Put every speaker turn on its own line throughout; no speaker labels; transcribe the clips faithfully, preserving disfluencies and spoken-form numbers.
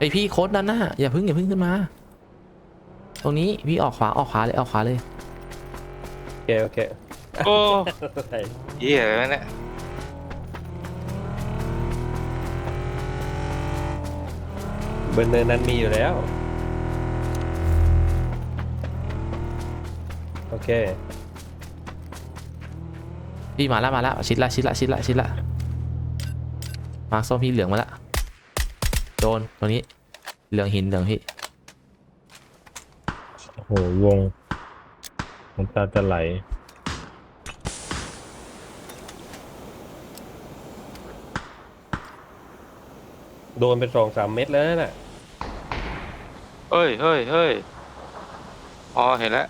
ไอพี่โค้ดนั่นน่ะอย่าพึ่งอย่าพึ่งขึ้นมาตรงนี้พี่ออกขวาออกขวาเลยออกขวาเลย
โอเคโอเค
โอ้เหี้ยแล้วเนี่ย
บนเนินนั้นมีอยู่แล้วโอเค
พี่มาแล้วมาแล้วชิดละชิดละชิดละชิดละมาร์คส้มพี่เหลืองมาแล้วโดนตรงนี้เหลืองหินเหลืองพี่
โอ้โหวงน้ำตาจะไหล
โดนไปสองสามเม็ดแล้วน่ะ
เฮ้ยเฮ้ยเฮ้ยอ๋อเห็นแล้ว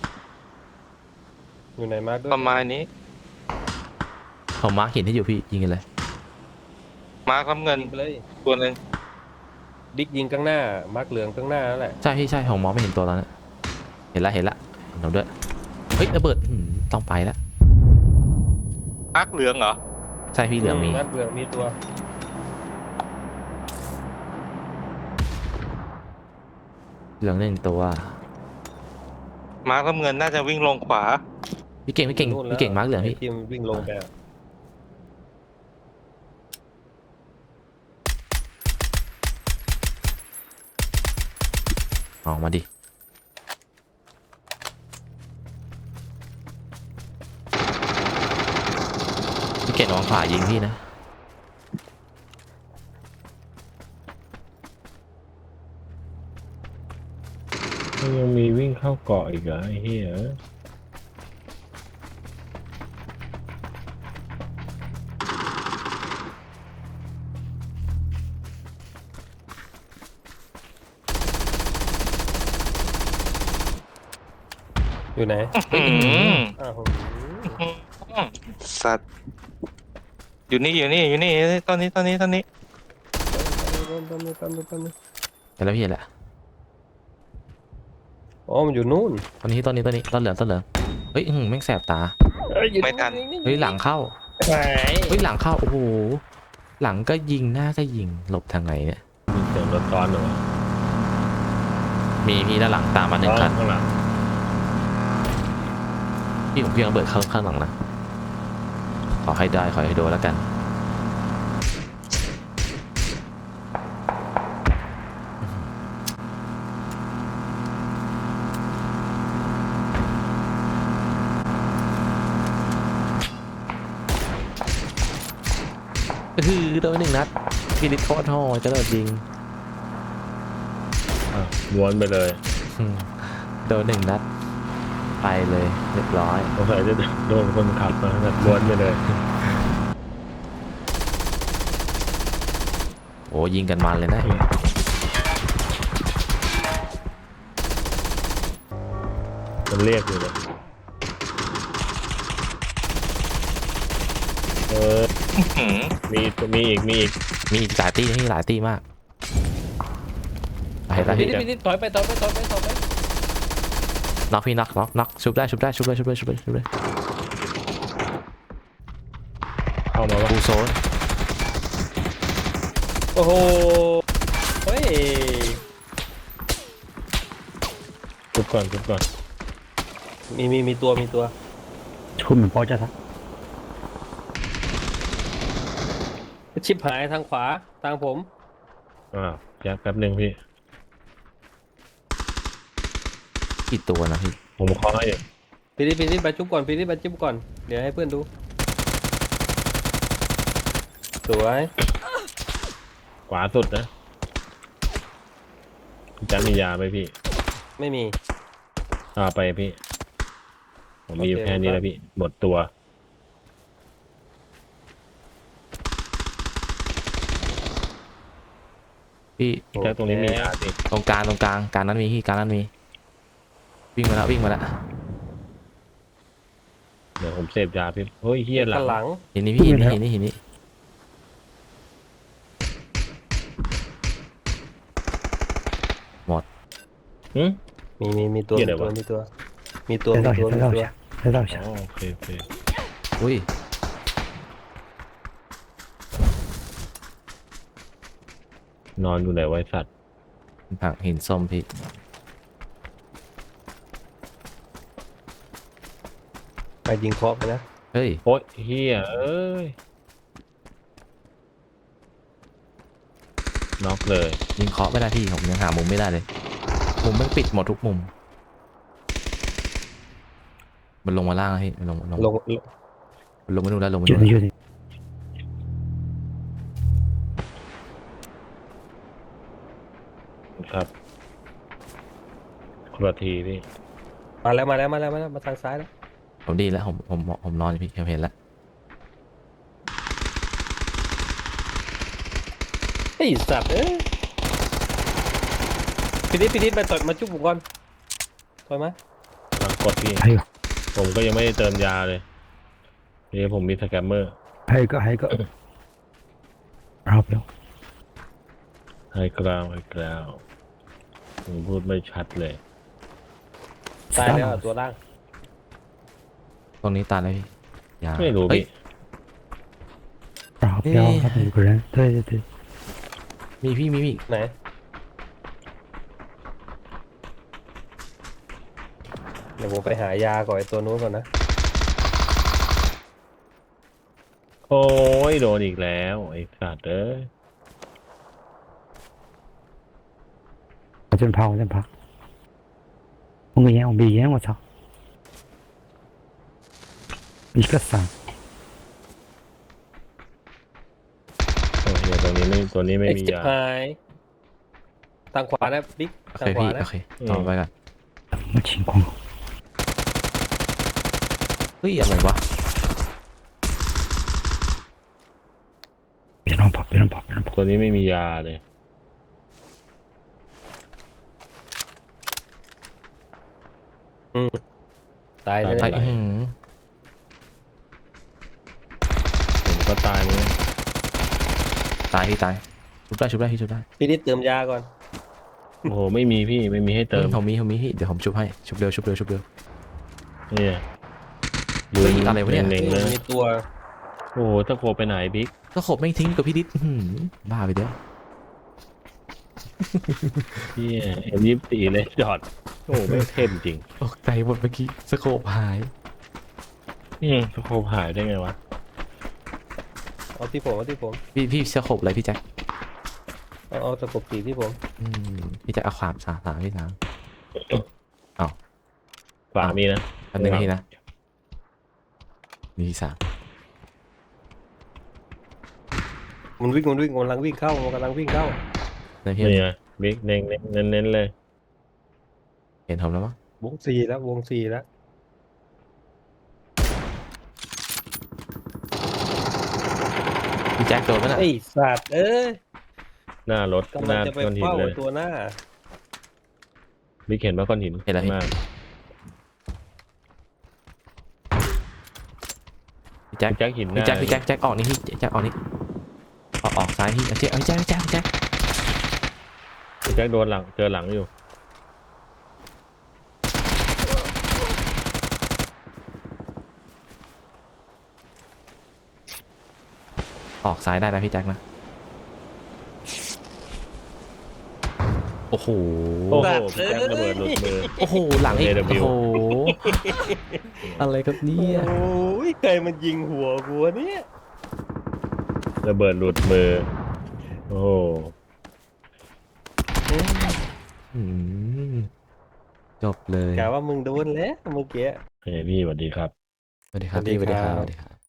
อยู่ไหนมาร์คด้วย
ประมาณนี้
ผมมาร์คหินที่อยู่พี่ยิงกันเลย
มาร์คน้ำเงิน
ยิงไปเลย
ตัวหนึ่ง
ดิกยิงข้างหน้ามาร์คเหลืองข้างหน้านั่นแหละ
ใช่พี่ใช่ผมมองไม่เห็นตัวตอนนั้นเห็นละเห็นละเห็นเราด้วยเฮ้ยระเบิดอืมต้องไปแล้ว
มาร์คเหลืองเหรอ
ใช่พี่เหลืองมี
มาร์คเหลืองมีตัว
เหลืองหนึ่งตัว
มาร์คน้ำเงินน่าจะวิ่งลงขวา
พี่เก่งพี่เก่ง
นู่นแล้ว
พี่เก่งมาร์คเหลืองพี่
ไทีมวิ่งลงไปอะ
ออกมาดิพี่เก่งระวังขวายิงพี่นะ
มันยังมีวิ่งเข้าเกาะอีกเหรอไอ้เหี้ย
อยู่ไหน
อืม
อ้าว
สัตว์อยู่นี่อยู่นี่อยู่นี่ตอนนี้ตอนนี้ตอนนี้
ต้นต้นต้นต้นต้น
เห็นแล้วพี่เห็นแล้ว
อ๋อมันอยู่นู่น
ตอนนี้ตอนนี้ตอนนี้ต้นเหลืองต้นเหลืองเฮ้ยอื้อหือแม่งแสบตา
ไม่ทัน
เฮ้ยหลังเข้า
ไหน
เฮ้ยหลังเข้าโอ้โหหลังก็ยิงหน้าก็ยิงหลบทางไหนเนี่ย
มีเสียงรถซ้อนเหรอ
มีพี่ด้านหลังตามมาหนึ่งคัน
ข้างหลัง
พี่ผมเพียงระเบิดเข้าข้างหลังนะขอให้ได้ขอให้โดนแล้วกันคือโดนหนึ่งนัดพี่ลิทโคตรโหดจะโดนยิง
อ่ะม้วนไปเลย
อืมโดนหนึ่งนัดไปเลยเรียบร้อย
สงสัยจะโดนคนขับมาแบบม้วนไปเลย
โอ้ยิงกันมันเลยนะ
มันเรียกอยู่เลยเออ
หืม
มีมีอีกมีอีก
มีอีกหลายตีนี่หลายตีมากไปไป
พี่
พี่
พี่พี่ถอยไปถอยไปถอยไปถอยไป
น็อกพี่น็อกน็อกน็อกชุบได้ชุบได้ชุบได้ชุบได้ชุบได้ชุบได้
เข้ามาว่า
ฟูโซน
โอ้โหเฮ้ย
ทุบก่อนทุบก่อน
มีมีมีตัวมีตัว
คุณเหมือนพอจะทัก
ชิปหายทางขวาทางผม
อ่าวแจ็คแป๊บหนึ่งพี่
กี่ตัวนะพี่
ผมเคาะอยู่
พี่นิดพี่นิดไปจุ๊บก่อนพี่นิดไปจุ๊บก่อนเดี๋ยวให้เพื่อนดูสวย
ขวาสุดนะพี่แจ็คมียาไหมพี่
ไม่มี
เอาไปพี่ ผมมีอยู่
โอเค
แค่นี้แล้วพี่หมดตัว
พี่
แจ็คตรงนี้มียาสิ
ตรงกลางตรงกลางกลางนั้นมีพี่กลางนั้นมีวิ่งมาแล้ววิ่งมาแล้ว
เดี๋ยวผมเสพยาพี่เฮ้ยเฮียหลั
ข้าง งหลัง
เห็นนี่พี่เห็นนี่เห็นนี่เห็นนี่หมด
หืม
มีมีมีตัว
เหี้
มี
ยอะไร
ตัว
วะ
มีตัวมีตัว
ได้
มี
เรา
ตัว
ใช่
มี
ได้เรา
ตัว
ใช่ได้เราใช่
อ๋อโอเคโอเค
อุ้ย
นอนอยู่ไหนไว้สัตว์
ผักหินส้มพี่
ไปยิงเคาะไปนะ
เฮ้ย
โอ๊ยเฮียเอ้ยน็อกเลย
ยิงเคาะไม่ได้พี่ผมยังหามุมไม่ได้เลยมุมมันปิดหมดทุกมุมมันลงมาล่างแล้วพี่มันลงลง
ลง
มันลงมานู่นแล้วลงมา
อยู่
นู่น
นี่อ
แล้ว
ยู่นี่
ครับคนละทีพี่
มาแล้วมาแล้วมาแล้วมาแล้วมาทางซ้ายแล้ว
ผมดีแล้วผมผมผมนอนอยู่พี่ผมเห็นแล้ว
ไอ้สัตว์เอ้ยพี่นิดพี่นิดไปต่อยมาจุ๊บผมก่อนต่อยมา
หลังกดพี่
ให้ก็
ผมก็ยังไม่ได้เติมยาเลยนี่ผมมีสแกมเมอร์
ให้ก็ให้ก็เอาไปแล้ว
ให้กราวให้กราวผมพูดไม่ชัดเลย
ตายแล้วอะตัวล่าง
ตรงนี้ตายแล้วพี่ยา
ไม่รู้
เฮ้ย
พี่
เอาไปแล้วครับอยู่กันเฮ้ยเฮ้ย
มีพี่มีมี
ไหนเดี๋ยวผมไปหายาก่อนไอ้ตัวนู้นก่อนนะ
โอ้ยโดนอีกแล้วไอ้สัตว์เอ้ย
我真怕，我真怕。我个烟，我没烟，我操！一个伞，
โอ้ยเดี๋ยวตัวนี้ไม่ตัวนี้ไม่
เอ็ก
มี
ซ์
ยา
ไฮทางขวานะบิ๊ก
โอ
ทาง
เค
ขวา
พี่
นะ
โอเคต่อไปก่อน
什么情况？
เฮ้ยอะไรวะ
别乱跑，别乱跑，别乱跑！
ตัวนี้ไม่มียาเลย
ตายเลย
ไอ้อื้อหือ
ผมก็ตายเลย
ตายพี่ตายชุบได้ชุบได้พี่ชุบได้
พี่นิดเติมยาก่อน
โอ้โหไม่มีพี่ไม่มีให้เติม
ผมมีผมมีพี่เดี๋ยวผมชุบให้ชุบเร็วชุบเร็วชุบเร็ว
เนี่ย
เฮ้ยอะไรวะเนี่ย
เล็งๆเลย
มีตัว
โอ้โหตะโกไปไหนบิ๊ก
ก็ขบไม่ทิ้งกับพี่ดิษอื้อหือบ้าไปเด้อ
พี่เอ็มยี่สิบสี่เลยจอดโอ้โหไม่เข้มจริง
ตกใจหมดเมื่อกี้สโคปหาย
อืมตะโกหายได้ไงวะ
เอาที่ผมเอาที่ผม
พี่พี่สโคปอะไรพี่แจ็ค
เอาเอาตะกบสีที่ผม
อืมพี่แจ็คเอาขวามสามสามพี่สาม
ฝามีนะ
อันหนึ่งพี่นะมีสาม
มันวิ่งมันวิ่งมันกำลังวิ่งเข้ามันกำลังวิ่งเข้า
นะพี่
นี่ไงบิ๊กเน้นเน้นเน้นๆเลย
เห็นผมแล้วมั้ง
วงสี่แล้ววงสี่แล้ว
พี่แจ็คโดนปะน่ะ
ไอ้สัตว์เอ้ย
หน้ารถ
กำ
ห
ลัง
น้า
จะไป
ก้อนหิน
เฝ้า
เล
ไอ้
ย
ตัวหน้า
บิ๊กเห็นว่าก้อนหิน
เห็นแล้วพี่
มาก
พี่แจ็ค
แจ็คหินห
พี่
น้า
แจ็คพี่แจ็คแจ็คออกนี่พี่แจ็คออกนี่ออกออกซ้ายพี่เอาแจ็คเอาแจ็คแจ็คแจ็ค
แจ็คโดนหลังเจอหลังอยู่
ออกซ้ายได้นะพี่แจ็คนะโอ้โห
โอ้โห
สัตว์
พี่แจ็คระเบิดหลุดมือ
โอ้โหหลังอีก
เอ ดับเบิลยู
โอ้โหอะไรครับเนี่ย
โอ้ยใครมันยิงหัวกูวะเนี่ย
ระเบิดหลุดมือ โอ้โห
อืมจบเลย
กะว่ามึงโดนแล้วเมื่อกี้
เฮ้ยพี่สวัสดีครับ
สวัสดีครับ
สวัสดี
พี่สวัสดีค
ครั
รับบ สวัสดีครับ